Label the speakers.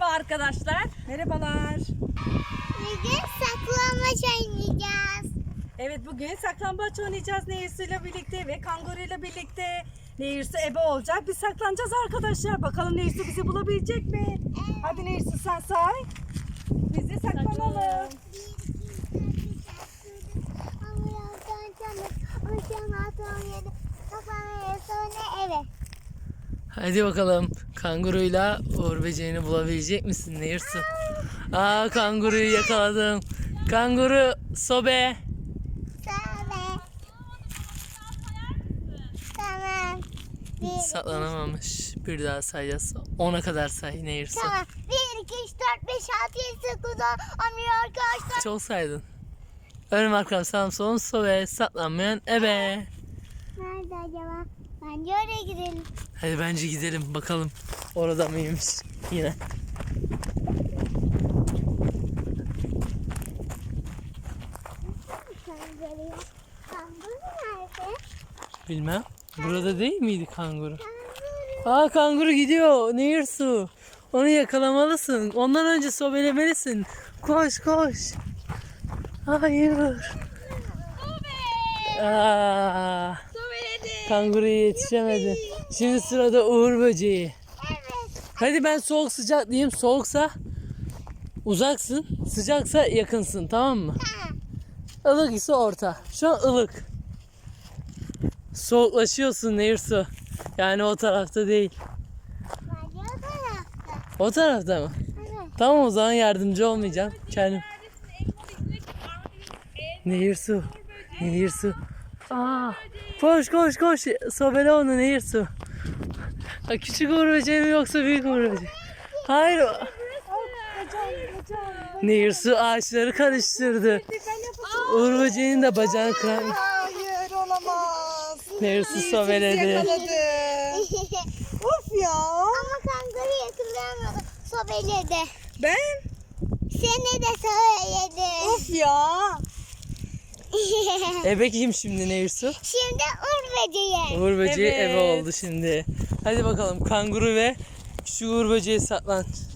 Speaker 1: Merhaba arkadaşlar.
Speaker 2: Merhabalar.
Speaker 3: Bugün saklambaç oynayacağız.
Speaker 1: Evet, bugün saklambaç oynayacağız Nehirsu'yla birlikte ve kanguruyla birlikte. Nehirsu ebe olacak. Biz saklanacağız arkadaşlar. Bakalım Nehirsu bizi bulabilecek mi? Hadi Nehirsu sen say. Biz de saklanalım.
Speaker 4: Hadi bakalım, kanguruyla Uğur böceğini bulabilecek misin Nehirsu? Aa, kanguruyu yakaladım. Kanguru sobe.
Speaker 3: Tamam.
Speaker 4: Saklanamamış. Bir daha sayacağız. 10'a kadar say Nehirsu.
Speaker 3: Tamam. 1, 2, 3, 4, 5, 6, 7, 8, 9, 10 arkadaşlar.
Speaker 4: Çok saydın. Önüm arkam sağım solum sobe. Saklanmayan ebe.
Speaker 3: Nerede acaba? Bence oraya gidelim.
Speaker 4: Hadi bence gidelim bakalım. Orada mıymış yine.
Speaker 3: Kanguru nerede?
Speaker 4: Bilmem. Burada değil miydi kanguru? Aa, kanguru gidiyor Nehirsu. Onu yakalamalısın. Ondan önce sobelemelisin. Koş koş. Hayır. Aa, kanguruya yetişemedi. Şimdi sırada Uğur böceği.
Speaker 3: Evet.
Speaker 4: Hadi ben soğuk sıcak diyeyim. Soğuksa uzaksın. Sıcaksa yakınsın, tamam mı? Ilık ise orta. Şu an ılık. Soğuklaşıyorsun Nehirsu. Yani o tarafta değil.
Speaker 3: Bence o tarafta.
Speaker 4: O tarafta mı?
Speaker 3: Evet.
Speaker 4: Tamam, o zaman yardımcı olmayacağım. Kendim. Nehirsu. Nehirsu. Aa, koş koş koş. Sobele onu Nehirsu. Ha, küçük Uğur böceği mi yoksa büyük Uğur böceği? Hayır. Nehirsu ağaçları karıştırdı. Uğur böceğinin de bacağını kıran.
Speaker 2: Hayır, olamaz.
Speaker 4: Nehirsu sobeledi.
Speaker 2: Yakaladı. Of ya.
Speaker 3: Ama kanguru yakalayamadı. Sobeledi.
Speaker 2: Ben?
Speaker 3: Seni de söyledi.
Speaker 2: Of ya.
Speaker 4: Ebe kim şimdi Nehirsu?
Speaker 3: Şimdi Uğur böceği.
Speaker 4: Uğur böceği
Speaker 1: Evet.
Speaker 4: ebe oldu şimdi. Hadi bakalım, kanguru ve küçük Uğur böceği saklan.